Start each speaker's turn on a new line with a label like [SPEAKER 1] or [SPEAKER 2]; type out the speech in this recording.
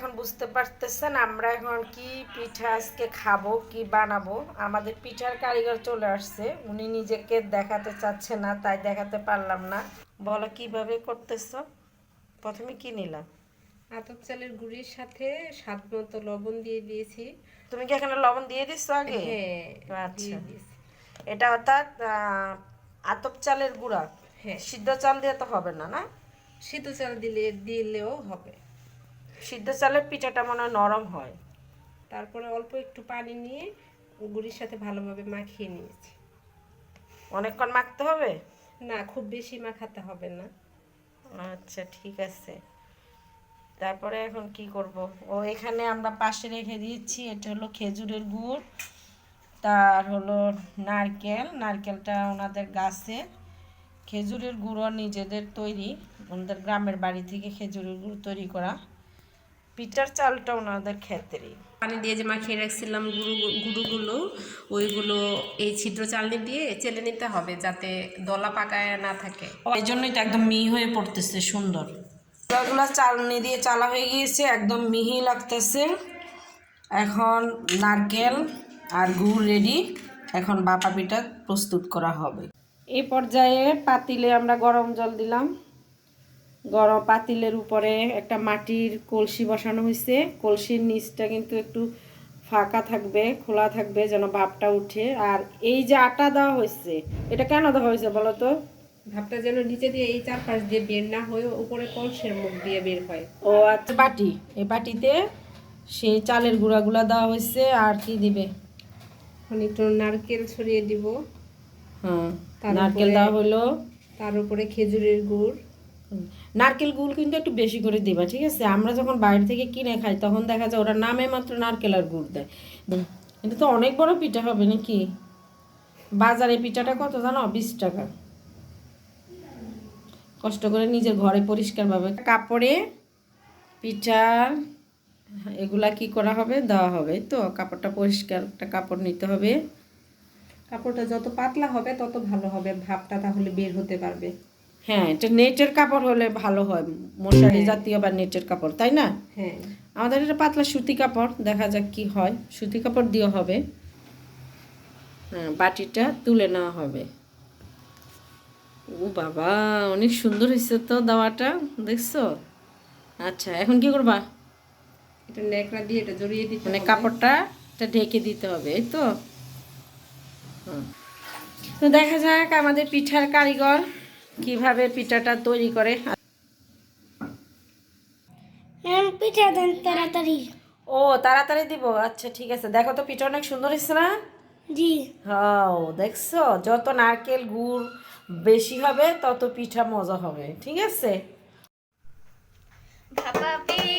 [SPEAKER 1] এখন বুঝতে পারতেছেন আমরা এখন কি পিঠা আজকে খাবো, কি বানাবো। আমাদের পিঠার কারিগর চলে আসছে, উনি নিজেকে দেখাতে চাচ্ছে না, তাই দেখাতে পারলাম না। বলো কিভাবে করতেছো। প্রথমে কি নিলাম?
[SPEAKER 2] আতপ চালের গুঁড়ির সাথে স্বাদ মতো লবণ দিয়ে দিয়েছি।
[SPEAKER 1] তুমি কি এখানে লবণ দিয়ে দিচ্ছ আগে?
[SPEAKER 2] হ্যাঁ,
[SPEAKER 1] আচ্ছা,
[SPEAKER 2] দিয়ে দিয়েছি।
[SPEAKER 1] এটা অর্থাৎ আতপ চালের গুঁড়া।
[SPEAKER 2] হ্যাঁ,
[SPEAKER 1] সিদ্ধ চাল দিয়ে তো হবে না, না?
[SPEAKER 2] সিদ্ধ চাল দিলেও হবে।
[SPEAKER 1] সিদ্ধ চালের পিঠাটা মনে হয় নরম হয়।
[SPEAKER 2] তারপরে অল্প একটু পানি নিয়ে গুঁড়ির সাথে ভালোভাবে মাখিয়ে নিয়েছি।
[SPEAKER 1] অনেকক্ষণ মাখতে হবে?
[SPEAKER 2] না, খুব বেশি মাখাতে হবে না।
[SPEAKER 1] আচ্ছা, ঠিক আছে। তারপরে এখন কি করব? ও এখানে আমরা পাশে রেখে দিয়েছি, এটা হলো খেজুরের গুড়, তার হলো নারকেলটা ওনাদের গাছের, খেজুরের গুড়ও নিজেদের তৈরি, ওনাদের গ্রামের বাড়ি থেকে খেজুরের গুড় তৈরি করা, পিঠার চালটা ওনাদের ক্ষেত্রেই।
[SPEAKER 2] পানি দিয়ে যে মাখিয়ে রাখছিলাম গুঁড়োগুলো, ওইগুলো এই ছিদ্র চালনি দিয়ে চেলে নিতে হবে যাতে দলা পাকায় না থাকে।
[SPEAKER 1] এই জন্যই তো একদম মিহি হয়ে পড়তেছে, সুন্দর। এগুলো চালনি দিয়ে চালা হয়ে গিয়েছে, একদম মিহি লাগতেছে। এখন নারকেল আর গুড় রেডি, এখন ভাপা পিঠা প্রস্তুত করা হবে। এই পর্যায়ে পাতিলে আমরা গরম জল দিলাম। গরম পাতিলের উপরে একটা মাটির কলসি বসানো হয়েছে, কলসির নিচটা কিন্তু একটু ফাঁকা থাকবে, খোলা থাকবে যেন ভাপটা উঠে। আর এই যে আটা দেওয়া হয়েছে, এটা কেন দেওয়া হয়েছে বলো তো?
[SPEAKER 2] ভাবটা যেন নিচে দিয়ে এই চারপাশ দিয়ে বের না হয়ে উপরে কলসের মুখ দিয়ে বের হয়।
[SPEAKER 1] ও আচ্ছা, বাটি, এই বাটিতে সেই চালের গুঁড়াগুলা দেওয়া হয়েছে। আর কি দিবে?
[SPEAKER 2] এখন একটু নারকেল ছড়িয়ে দিব।
[SPEAKER 1] হ্যাঁ,
[SPEAKER 2] তার
[SPEAKER 1] নারকেল
[SPEAKER 2] উপরে
[SPEAKER 1] দেওয়া হলো।
[SPEAKER 2] তার উপরে খেজুরের গুড়।
[SPEAKER 1] নারকেল গুড় কিন্তু একটু বেশি করে দিবা, ঠিক আছে? আমরা যখন বাইরে থেকে কিনে খাই তখন দেখা যায় ওরা নামে মাত্র নারকেল আর গুড় দেয়। এটা তো অনেক বড় পিঠা হবে নাকি? বাজারে পিঠাটা কত জানো? 20 টাকা। কষ্ট করে নিজের ঘরে পরিষ্কারভাবে কাপড়ে পিঠার এগুলা কি করা হবে, দেওয়া হবে। তো কাপড়টা পরিষ্কার একটা কাপড় নিতে হবে।
[SPEAKER 2] কাপড়টা যত পাতলা হবে তত ভালো হবে, ভাপটা তাহলে বের হতে পারবে।
[SPEAKER 1] হ্যাঁ, এটা নেটের কাপড় হলে ভালো হয়, মশারি
[SPEAKER 2] হ্যাঁ,
[SPEAKER 1] জাতীয় বা নেটের কাপড়, তাই না?
[SPEAKER 2] হ্যাঁ।
[SPEAKER 1] আমাদের এটা পাতলা সুতি কাপড়, দেখা যাক কি হয়। সুতি কাপড় দিয়ে হবে। হ্যাঁ, বাটিটা তুলে নেওয়া হবে। ও বাবা, অনেক সুন্দর হয়েছে তো দাওয়াটা, দেখছো? আচ্ছা, এখন কি করবা?
[SPEAKER 2] এটা ন্যাকড়া দিয়ে এটা জড়িয়ে দিতে
[SPEAKER 1] মানে
[SPEAKER 2] হবে।
[SPEAKER 1] কাপড়টা এটা ঢেকে দিতে হবে, এই তো। হুম। তো দেখা যাক আমাদের পিঠার কারিগর কিভাবে পিঠাটা তৈরি করে।
[SPEAKER 3] পিঠা দেন তাড়াতাড়ি।
[SPEAKER 1] ও, তাড়াতাড়ি দিব? আচ্ছা, ঠিক আছে। দেখো তো পিঠা অনেক সুন্দর হয়েছে না?
[SPEAKER 3] জি।
[SPEAKER 1] হ্যাঁ, দেখছো, যত নারকেল গুড় বেশি হবে তত পিঠা মজা হবে, ঠিক আছে?
[SPEAKER 3] ভাপা